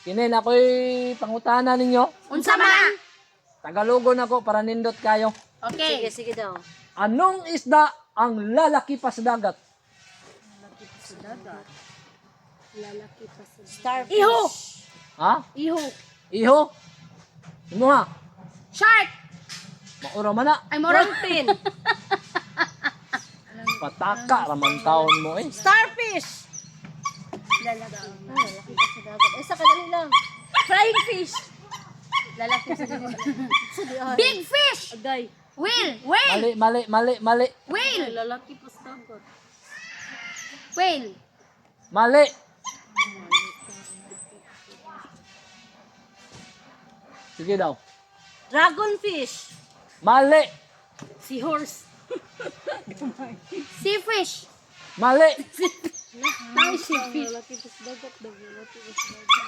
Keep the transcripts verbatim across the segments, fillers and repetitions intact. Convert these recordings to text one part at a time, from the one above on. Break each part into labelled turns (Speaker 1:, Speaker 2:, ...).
Speaker 1: Kinin ako'y pangutana ninyo.
Speaker 2: Unsa man?
Speaker 1: Tagalogon ako para nindot kayo.
Speaker 2: Okay.
Speaker 3: Sige, sige daw.
Speaker 1: Anong isda ang lalaki pa sa dagat?
Speaker 2: Lalaki pa sa
Speaker 3: Starfish.
Speaker 2: Iho!
Speaker 1: Ha?
Speaker 2: Iho.
Speaker 1: Iho? Ano ha?
Speaker 2: Shark!
Speaker 1: Maura man na.
Speaker 2: Ay, moron.
Speaker 3: Dolphin.
Speaker 1: Pataka raman taon mo eh.
Speaker 3: Starfish.
Speaker 2: Lalaki.
Speaker 3: Ah, lalaki pa sa dagat. Eh, sa kadali lang.
Speaker 2: Flying fish. Lalaki sa
Speaker 3: Sa di ay.
Speaker 2: Big fish!
Speaker 3: Agay.
Speaker 2: Whale! Whale!
Speaker 1: Mali, mali, mali, mali.
Speaker 2: Whale!
Speaker 3: Lalaki pa sa dagat.
Speaker 2: Whale!
Speaker 1: Mali. Sige daw.
Speaker 3: Dragonfish.
Speaker 1: Mali.
Speaker 2: Seahorse. Sea fish.
Speaker 1: Mali.
Speaker 2: Now sea fish.
Speaker 3: Lalaki pa sa dagat. Lalaki pa sa dagat.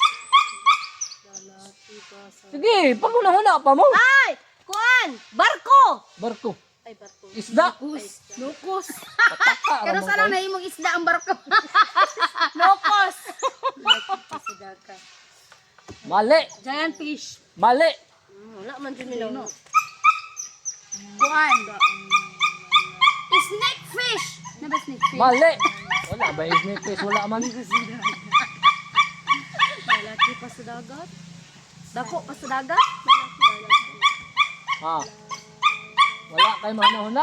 Speaker 3: Lalaki pa sa...
Speaker 1: Sige, pag una-una pa mo.
Speaker 3: Ay! Kuan! Barko!
Speaker 1: Barko.
Speaker 3: Ay, barko.
Speaker 1: Isda.
Speaker 2: Lukos. Lukos.
Speaker 1: Pataka
Speaker 2: Pero
Speaker 1: raman
Speaker 2: sana
Speaker 1: taon.
Speaker 2: na imong isda ang barko. Lukos.
Speaker 3: Lalaki pa sa dagat.
Speaker 1: Mali.
Speaker 2: Giant fish.
Speaker 1: Mali.
Speaker 3: Hmm, wala man dyan nila.
Speaker 2: Kuan. Snake fish. Na ba snake fish?
Speaker 1: Mali. Wala ba snake fish? Wala man.
Speaker 3: Lalaki pa sa dagat. Dako pa sa dagat.
Speaker 1: Ha. Wala kay mahuna-huna.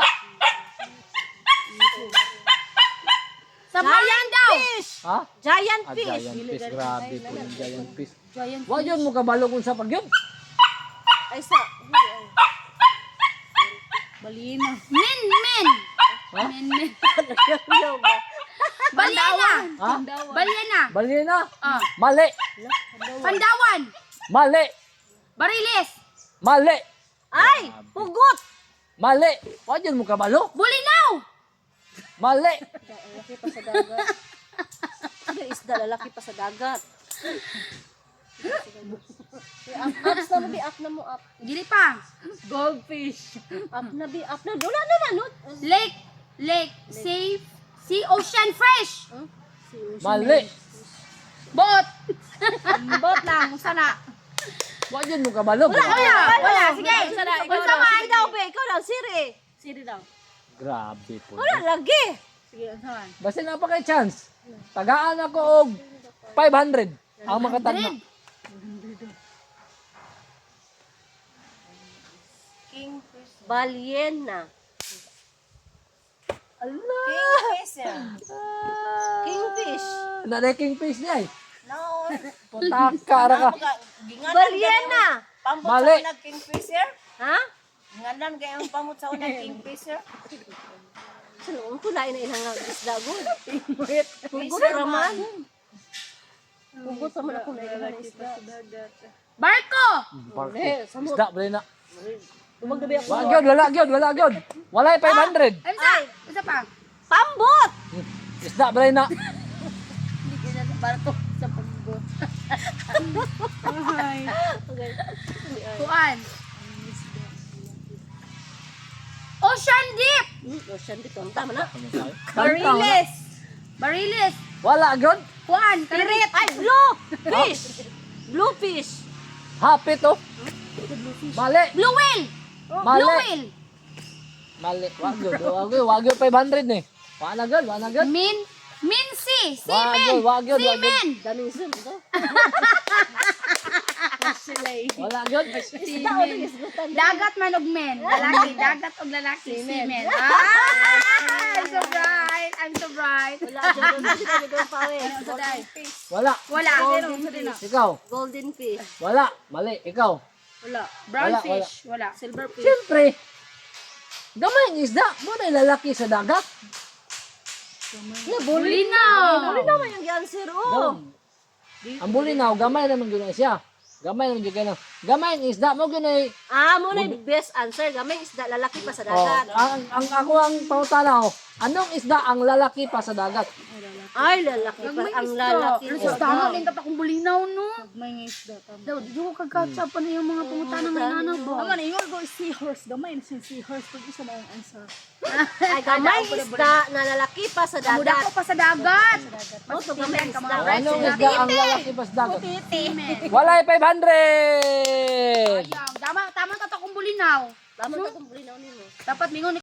Speaker 2: Sabayan daw.
Speaker 3: Fish!
Speaker 1: Ha?
Speaker 3: Giant
Speaker 1: Ah,
Speaker 3: fish!
Speaker 1: giant fish. Grabe po yung giant fish.
Speaker 2: Giant
Speaker 1: Wa yun mo kabalo kung sa pag yun.
Speaker 3: Ay, sa... Hindi, ay.
Speaker 2: Balina. Min, min.
Speaker 1: Ha?
Speaker 2: Min, min.
Speaker 3: Yaw ba?
Speaker 2: Balena.
Speaker 1: Ha?
Speaker 2: Balena.
Speaker 1: Balina.
Speaker 2: Ah.
Speaker 1: Mali.
Speaker 2: Pandawan.
Speaker 1: Mali.
Speaker 2: Bariles.
Speaker 1: Mali.
Speaker 3: Ay! Pugot!
Speaker 1: Mali. Wa yun mo kabalo.
Speaker 2: Bulinaw.
Speaker 1: Mali.
Speaker 3: Lalaki pa sa dagat. Ano isda? Lalaki pa sa dagat. Up, ups na mo, bi. Up na mo, up.
Speaker 2: Dili pa.
Speaker 3: Goldfish. Up na, bi. Up na. Wala na, no?
Speaker 2: Lake. Lake. Safe. Sea ocean fresh.
Speaker 3: Huh? Si Ocean.
Speaker 1: Mali.
Speaker 2: Boat. Boat lang. Sana.
Speaker 1: Wa yun mo kabalo.
Speaker 2: Wala. Wala. Sige.
Speaker 3: Sana, ikaw
Speaker 2: Unsa
Speaker 3: daw.
Speaker 2: man?
Speaker 3: Sige daw, be. Ikaw daw, Siri. Siri daw.
Speaker 1: Grabe po.
Speaker 3: Wala, lagi.
Speaker 2: Sige. Unsa man?
Speaker 1: Basta na pa kay chance. Tagaan ako og five hundred. Ang makatagna.
Speaker 3: Kingfish. Balyena.
Speaker 1: Allah.
Speaker 3: Kingfisher. Kingfish.
Speaker 1: Na na kingfish niya eh.
Speaker 4: No,
Speaker 1: Putaka ra ka.
Speaker 3: Balyena.
Speaker 4: pamot
Speaker 1: Mali.
Speaker 4: sa unang kingfisher.
Speaker 3: Ha?
Speaker 4: Nganan kayong pamot sa unang kingfisher.
Speaker 3: Saan ko na ina ilang isda good. Pugot
Speaker 4: Fisher
Speaker 3: raman.
Speaker 4: man.
Speaker 3: Pugot raman ako na ilang isda.
Speaker 2: Barko.
Speaker 1: Barko.
Speaker 3: Eh, samot.
Speaker 1: Isda bali na.
Speaker 3: Tumag na ba ako?
Speaker 1: Wa gyud, wala gyud, wala gyud. Wala five hundred.
Speaker 2: Unsa? Unsa pa?
Speaker 3: Pambot!
Speaker 1: Isda bali na.
Speaker 3: Hindi ka na barko sa pambot. Okay.
Speaker 2: Kuan. Ocean deep.
Speaker 3: Hmm, Ocean dito. Ang tama na.
Speaker 2: Bariles. Bariles.
Speaker 1: Wala gyud.
Speaker 2: Kuan.
Speaker 3: Pirit! Ay, blue! Fish! Blue fish!
Speaker 1: Hapit oh. Mali.
Speaker 2: Blue whale.
Speaker 1: Mali.
Speaker 2: Blue whale.
Speaker 1: Mali. Wa gyud, wa gyud, wa gyud five hundred ni. Wa na gyud, wa na gyud.
Speaker 2: Min. Minsi.
Speaker 1: Wa
Speaker 2: Seamen.
Speaker 1: gyud, wa gyud, wa gyud.
Speaker 2: Seamen.
Speaker 3: Daming zoom ito.
Speaker 1: Wala gyud.
Speaker 3: Isda o din isgutan.
Speaker 2: Dagat man og men. Lalaki. Dagat og lalaki. Seamen. Ah! I'm so bright. I'm so bright.
Speaker 3: Wala dyan doon. Hindi ka doon pawis.
Speaker 2: Golden
Speaker 1: Wala.
Speaker 2: Wala.
Speaker 3: Golden fish.
Speaker 1: Ikaw.
Speaker 3: Golden fish.
Speaker 1: Wala. Mali. Ikaw.
Speaker 3: Wala.
Speaker 2: Brown
Speaker 1: Wala,
Speaker 2: fish. Wala.
Speaker 3: Silver fish.
Speaker 1: Siyempre. Gamay ang isda. Mo na lalaki sa dagat.
Speaker 3: Yeah,
Speaker 2: Bulinaw.
Speaker 3: Buli naman yung answer. Oh.
Speaker 1: Ang bulinaw, gamay naman gyud na siya. Gamay naman gyud kayo. Gamay ang isda mo gyud ay.
Speaker 3: Ah, mo na yung best answer. Gamay isda, lalaki pa sa
Speaker 1: Oh,
Speaker 3: dagat.
Speaker 1: ang, ang ako ang pangutana ko. Anong isda ang lalaki pa sa dagat?
Speaker 3: Ay, lalaki pa. Ang lalaki.
Speaker 2: Ano sa tama din tatakong bulinaw, no? May isda. Daw, di ko kagkatsa pa na yung mga pangutana ng inanaw ba?
Speaker 5: Naman, ingon ko seahorse. Gamay na siya seahorse. Pag isa na yung answer.
Speaker 3: Ay, gamay isda na lalaki pa sa
Speaker 2: Muda
Speaker 3: dagat.
Speaker 2: ko pa sa dagat.
Speaker 3: Oh, to gamay isda.
Speaker 1: Oh, anong isda ang lalaki pa sa dagat?
Speaker 2: Semen.
Speaker 1: Walay five hundred.
Speaker 2: Ayang, tama, tama tatakong bulinaw.
Speaker 3: Tama ka kung bulinaw nimo.
Speaker 2: Dapat mingon